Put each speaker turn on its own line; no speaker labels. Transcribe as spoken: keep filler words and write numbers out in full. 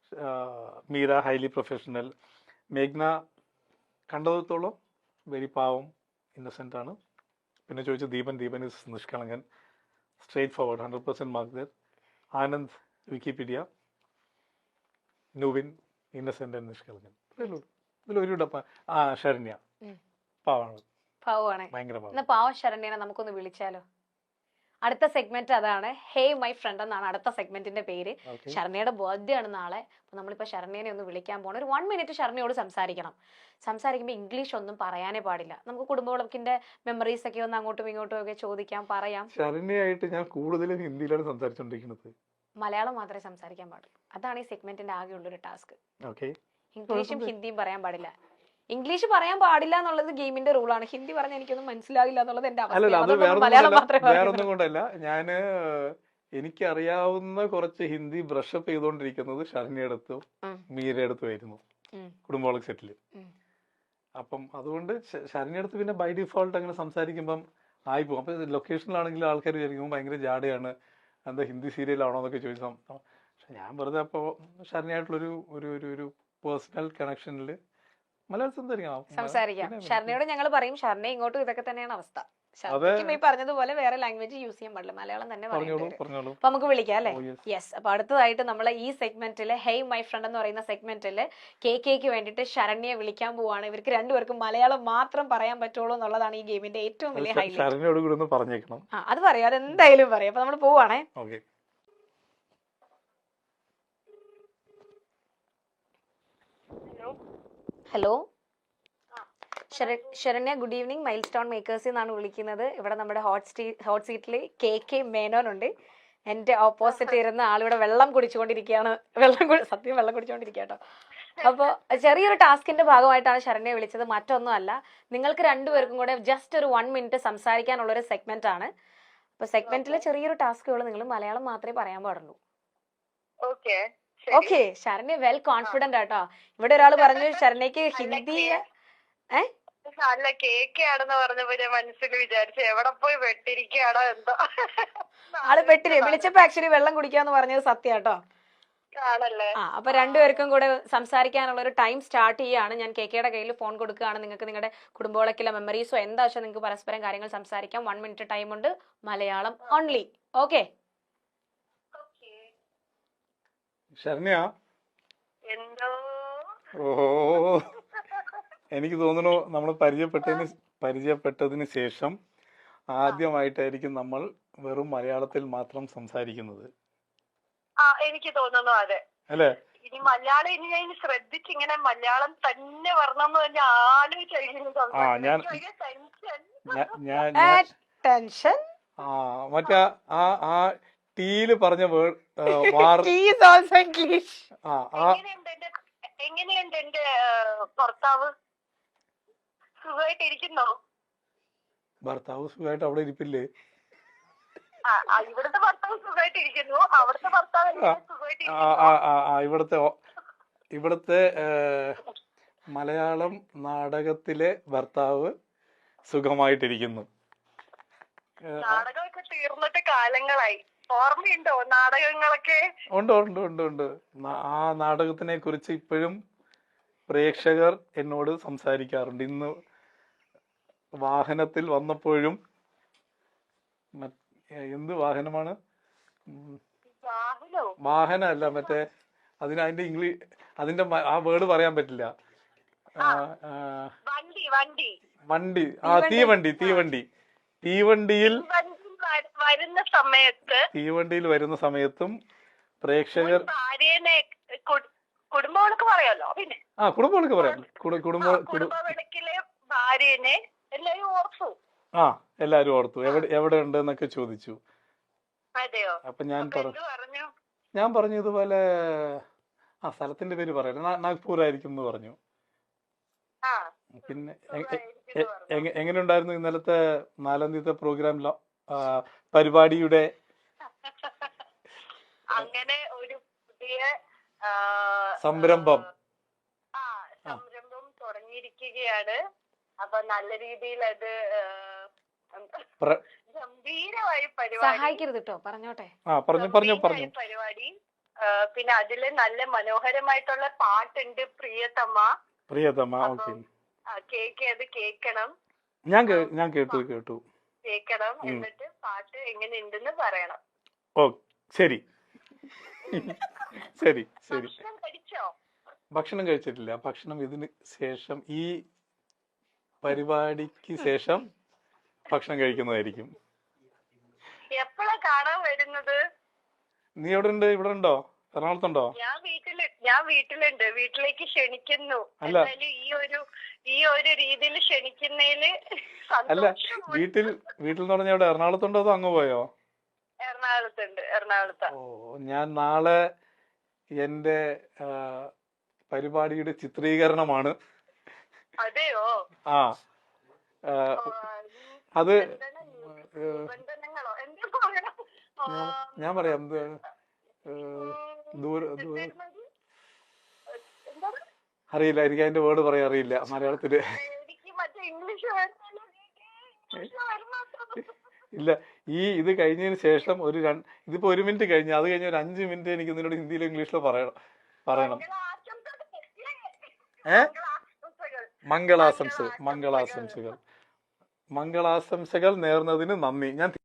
Meera highly professional. മേഘ്ന കണ്ടത്തോളം very പാവം, ഇന്നസെൻ്റ് ആണ്. പിന്നെ ചോദിച്ചു ദീപൻ, ദീപൻ ഇസ് നിഷ്കളങ്കൻ, straightforward, hundred percent mark ദർ. ആനന്ദ് വിക്കിപീഡിയ, നുവിൻ ഇന്നസെൻ്റ് ആൻഡ് നിഷ്കളങ്കൻ. ഇതിലൊരു ഡപ്പ. ആ ശരണ്യ പാവാണ്,
പാവാണ്,
ഭയങ്കര പാവം.
എന്നാ പാവം ശരണ്യനെ നമുക്കൊന്ന് വിളിച്ചാലോ? അടുത്ത സെഗ്മെന്റ് അതാണ്, ഹേ മൈ ഫ്രണ്ട് എന്നാണ് അടുത്ത സെഗ്മെന്റിന്റെ പേര്. ശരണ്യയുടെ ബർത്ത്ഡേ ആണ് നാളെ. അപ്പൊ നമ്മളിപ്പോ ശരണ്യനെ ഒന്ന് വിളിക്കാൻ പോകണം. ഒരു വൺ മിനിറ്റ് ശരണ്യയോട് സംസാരിക്കണം. സംസാരിക്കുമ്പോൾ ഇംഗ്ലീഷ് ഒന്നും പറയാനേ പാടില്ല. നമുക്ക് കുടുംബവിളക്കിന്റെ മെമ്മറീസ് ഒക്കെ ഒന്ന് അങ്ങോട്ടും ഇങ്ങോട്ടും ഒക്കെ ചോദിക്കാം, പറയാം.
ശരണ്യയായിട്ട് ഞാൻ കൂടുതലും ഹിന്ദിയിലാണ് സംസാരിച്ചോണ്ടിരിക്കുന്നത്.
മലയാളം മാത്രമേ സംസാരിക്കാൻ പാടുള്ളൂ. അതാണ് ഈ സെഗ്മെന്റിന്റെ ആകെയുള്ള ഒരു ടാസ്ക്.
ഓക്കെ,
ഇംഗ്ലീഷും ഹിന്ദിയും പറയാൻ പാടില്ല. ഇംഗ്ലീഷ് പറയാൻ പാടില്ല എന്നുള്ളത് ഗെയിമിന്റെ റൂളാണ്. ഹിന്ദി പറഞ്ഞാൽ എനിക്കൊന്നും മനസ്സിലാവില്ല എന്നുള്ളത് എന്റെ അവസ്ഥ. മലയാളം മാത്രമേ
വേറൊന്നും കൊണ്ടല്ല, ഞാന് എനിക്കറിയാവുന്ന കുറച്ച് ഹിന്ദി ബ്രഷപ്പ് ചെയ്തോണ്ടിരിക്കുന്നത് ശരണ്യയുടെ അടുത്തും മീരയുടെ അടുത്തും ആയിരുന്നു കുടുംബവളക്ക് സെറ്റില്. അപ്പം അതുകൊണ്ട് ശരണ്യയുടെ അടുത്ത് പിന്നെ ബൈ ഡിഫോൾട്ട് അങ്ങനെ സംസാരിക്കുമ്പം ആയി പോകും. അപ്പൊ ലൊക്കേഷനിലാണെങ്കിൽ ആൾക്കാർ വിചാരിക്കുമ്പോൾ ഭയങ്കര ജാടയാണ്, എന്താ ഹിന്ദി സീരിയലാണോ എന്നൊക്കെ ചോദിച്ചാൽ. പക്ഷെ ഞാൻ വെറുതെ അപ്പോൾ ശരണ്യായിട്ടുള്ളൊരു ഒരു ഒരു പേഴ്സണൽ കണക്ഷനിൽ മലയാളം
സംസാരിക്കാം. ശരണ്യയോട് ഞങ്ങൾ പറയും, ശരണ്യ ഇങ്ങോട്ടും ഇതൊക്കെ തന്നെയാണ് അവസ്ഥ. ശരണ്യക്കും ഈ പറഞ്ഞതുപോലെ വേറെ ലാംഗ്വേജ് യൂസ് ചെയ്യാൻ പാടില്ല, മലയാളം തന്നെ പറയുള്ളൂ. അപ്പൊ നമുക്ക് വിളിക്കാം അല്ലെ? യെസ്. അപ്പൊ അടുത്തതായിട്ട് നമ്മളെ ഈ സെഗ്മെന്റില് ഹേയ് മൈ ഫ്രണ്ട് എന്ന് പറയുന്ന സെഗ്മെന്റില് കെ കെക്ക് വേണ്ടിട്ട് ശരണ്യെ വിളിക്കാൻ പോവാണ്. ഇവർക്ക് രണ്ടുപേർക്കും മലയാളം മാത്രം പറയാൻ പറ്റുള്ളൂ എന്നുള്ളതാണ് ഈ ഗെയിമിന്റെ ഏറ്റവും വലിയ ഹൈലൈറ്റ്. ആ അത് പറയാം, അതെന്തായാലും പറയാം. അപ്പൊ നമ്മൾ പോവാണേ. Hello Saranya, good evening. Milestone മേക്കേഴ്സിൽ നിന്നാണ് വിളിക്കുന്നത്. ഇവിടെ നമ്മുടെ ഹോട്ട് സീ ഹോട്ട് സീറ്റിൽ കെ കെ മേനോൻ ഉണ്ട്. എന്റെ ഓപ്പോസിറ്റ് ഇരുന്ന ആളിവിടെ വെള്ളം കുടിച്ചുകൊണ്ടിരിക്കുകയാണ്. വെള്ളം സത്യം വെള്ളം കുടിച്ചുകൊണ്ടിരിക്കുക കേട്ടോ. അപ്പോൾ ചെറിയൊരു ടാസ്കിന്റെ ഭാഗമായിട്ടാണ് ശരണ്യെ വിളിച്ചത്, മറ്റൊന്നും അല്ല. നിങ്ങൾക്ക് രണ്ടുപേർക്കും കൂടെ ജസ്റ്റ് ഒരു വൺ മിനിറ്റ് സംസാരിക്കാനുള്ള ഒരു സെഗ്മെന്റ് ആണ്. അപ്പൊ സെഗ്മെന്റിലെ ചെറിയൊരു ടാസ്കുകൾ, നിങ്ങൾ മലയാളം മാത്രമേ പറയാൻ പാടുള്ളൂ.
Okay
okay. Saranya well confident ആട്ടോ. ഇവിടെ ഒരാൾ പറഞ്ഞു ശരണ്യക്ക് ഹിന്ദി ഏഹ്
അല്ല കേക്കാണെന്ന് പറഞ്ഞപ്പോ ഞാൻ മനസ്സിൽ വിചാരിച്ചു എവിടെ പോയി വെട്ടിരിക്കുകയാണോ എന്തോ.
ആള് വെട്ടിരി വിളിച്ചപ്പോ ആക്ച്വലി വെള്ളം കുടിക്കാന്ന് പറഞ്ഞത് സത്യാട്ടോ.
ആണല്ലേ?
ആ അപ്പൊ രണ്ടുപേർക്കും കൂടെ സംസാരിക്കാനുള്ള ഒരു ടൈം സ്റ്റാർട്ട് ചെയ്യാണ്. ഞാൻ കെ കെയുടെ കയ്യിൽ ഫോൺ കൊടുക്കുകയാണ്. നിങ്ങൾക്ക് നിങ്ങളുടെ കുടുംബവിളക്കിലെ മെമ്മറീസോ എന്താ വെച്ചാൽ നിങ്ങൾക്ക് പരസ്പരം കാര്യങ്ങൾ സംസാരിക്കാം. വൺ മിനിറ്റ് ടൈം ഉണ്ട്, മലയാളം ഓൺലി. ഓക്കെ
ശരണ്യ?
എന്തോ
ഓ, എനിക്ക് തോന്നുന്നു നമ്മൾ പരിചയപ്പെട്ടതിന് പരിചയപ്പെട്ടതിന് ശേഷം ആദ്യമായിട്ടായിരിക്കും നമ്മൾ വെറും മലയാളത്തിൽ മാത്രം സംസാരിക്കുന്നത്.
ആ എനിക്ക് തോന്നുന്നു അതെ
അല്ലേ?
ഇനി മലയാളം ഇനി ഞാൻ ശ്രദ്ധിച്ച് ഇങ്ങനെ മലയാളം തന്നെ വരണമെന്ന് തന്നെ ആലോചിച്ചു.
ടെൻഷൻ
ആ മറ്റേ ആ ആ ടീല് പറഞ്ഞ വേർഡ്
എങ്ങനെയുണ്ട് എന്റെ ഭർത്താവ്? സുഖമായിട്ടിരിക്കുന്നോ?
ഭർത്താവ് സുഖമായിട്ട് അവിടെ ഇരിപ്പില്ലേ?
ഇവിടുത്തെ ഭർത്താവ് സുഖമായിട്ടിരിക്കുന്നു, അവിടുത്തെ ഭർത്താവ്
ഇവിടുത്തെ ഇവിടുത്തെ മലയാളം നാടകത്തിലെ ഭർത്താവ് സുഖമായിട്ടിരിക്കുന്നു.
നാടകമൊക്കെ തീർന്നിട്ട് കാലങ്ങളായി. ഓർമ്മയുണ്ടോ നാടകങ്ങളൊക്കെ?
ഉണ്ട് ഉണ്ട് ഉണ്ട് ഉണ്ട് ആ നാടകത്തിനെ കുറിച്ച് ഇപ്പോഴും പ്രേക്ഷകർ എന്നോട് സംസാരിക്കാറുണ്ട്. ഇന്ന് വാഹനത്തിൽ വന്നപ്പോഴും, എന്ത് വാഹനമാണ്? വാഹനമല്ല, മറ്റേ അതിന് അതിന്റെ ഇംഗ്ലീഷ് അതിന്റെ ആ വേർഡ് പറയാൻ പറ്റില്ല. വണ്ടി. ആ തീവണ്ടി. തീവണ്ടി തീവണ്ടിയിൽ
വരുന്ന സമയത്ത്
തീവണ്ടിയിൽ വരുന്ന സമയത്തും പ്രേക്ഷകർ
ഭാര്യനെ കുടുംബവിളക്ക് പറയാലോ. പിന്നെ
ആ കുടുംബവിളക്ക് പറയാം.
കുടുംബവിളക്കിലെ ഭാര്യനെ എല്ലാരും ഓർത്തു.
ആ എല്ലാരും ഓർത്തു. എവിടെ എവിടെ ഉണ്ട് എന്നൊക്കെ ചോദിച്ചു.
അതെയോ?
അപ്പൊ ഞാൻ പറഞ്ഞു ഞാൻ പറഞ്ഞു ഇതുപോലെ ആ സ്ഥലത്തിന്റെ പേര് പറയല്ലോ, നാഗ്പൂർ ആയിരിക്കും എന്ന് പറഞ്ഞു. പിന്നെ എങ്ങനെ ഉണ്ടായിരുന്നു ഇന്നലത്തെ നാലാം തീയതി പ്രോഗ്രാമിലോ പരിപാടിയുടെ?
അങ്ങനെ ഒരു പുതിയ
സംരംഭം
സംരംഭം തുടങ്ങിയിരിക്കുകയാണ്. അപ്പൊ നല്ല രീതിയിൽ അത് ഗംഭീരമായി പരിപാടി.
സഹായിക്കരുത് കേട്ടോ, പറഞ്ഞോട്ടെ.
ആ പറഞ്ഞു പറഞ്ഞു പറഞ്ഞു
പരിപാടി ആ, പിന്നെ അതില് നല്ല മനോഹരമായിട്ടുള്ള പാട്ടുണ്ട് പ്രിയതമ്മ.
പ്രിയതമ്മ. ഓക്കെ.
ആ, കേക്ക് അത് കേക്കണം
ഞാൻ കേ- ഞാൻ കേട്ടു കേട്ടു.
കേക്കണം എന്നിട്ട് പാട്ട് എങ്ങനെയുണ്ടെന്ന് പറയണം.
ഓ ശരി ശരി ശരി.
ഭക്ഷണം കഴിച്ചോ?
ഭക്ഷണം കഴിച്ചിട്ടില്ല. ഭക്ഷണം ഇതിന് ശേഷം, ഈ പരിപാടിക്ക് ശേഷം ഭക്ഷണം കഴിക്കുന്നതായിരിക്കും.
എപ്പോഴാ കാണാൻ വരുന്നത്?
നീ എവിടെ ഉണ്ട്? ഇവിടെ ഉണ്ടോ? എറണാകുളത്തുണ്ടോ?
ഞാൻ വീട്ടില് ഞാൻ വീട്ടിലുണ്ട്. വീട്ടിലേക്ക് ക്ഷണിക്കുന്നു.
അല്ല.
എന്തായാലും ഈ ഒരു ഈ ഒരു രീതിയിൽ ക്ഷണിക്കുന്നതില്
അല്ല,
സന്തോഷം.
വീട്ടിൽ വീട്ടിൽ എന്ന് പറഞ്ഞാൽ എവിടെ? എറണാകുളത്തുണ്ടോ അതോ അങ്ങ് പോയോ?
എറണാകുളത്തുണ്ട്. എറണാകുളത്താ.
ഓ, ഞാൻ നാളെ എന്റെ ആ, പരിപാടിയുടെ ചിത്രീകരണമാണ്.
അതെയോ?
ആ ആ,
ഓ,
അത്
എന്താണ് നിബന്ധനകളോ എന്താ പറയണം? ആ,
ഞാൻ- ഞാൻ പറയാം. എന്ത് ഏ, ദൂര ദൂര
എന്താണ്?
അറിയില്ല, എനിക്ക് അതിന്റെ വേർഡ് പറയാൻ അറിയില്ല മലയാളത്തില്.
എനിക്ക് മറ്റേ ഇംഗ്ലീഷ് വരുന്നില്ല. ഇംഗ്ലീഷ് വരുന്നത്.
ഇല്ല, ഈ ഇത് കഴിഞ്ഞതിന് ശേഷം ഒരു രണ്ട് ഇതിപ്പോ ഒരു മിനിറ്റ് കഴിഞ്ഞു, അത് കഴിഞ്ഞ ഒരു അഞ്ച് മിനിറ്റ് എനിക്ക് നിന്നോട് ഹിന്ദിയിലോ ഇംഗ്ലീഷിലോ പറയണം പറയണം ഏ മംഗളാശംസകൾ മംഗളാശംസകൾ മംഗളാശംസകൾ നേർന്നതിന് നന്ദി. ഞാൻ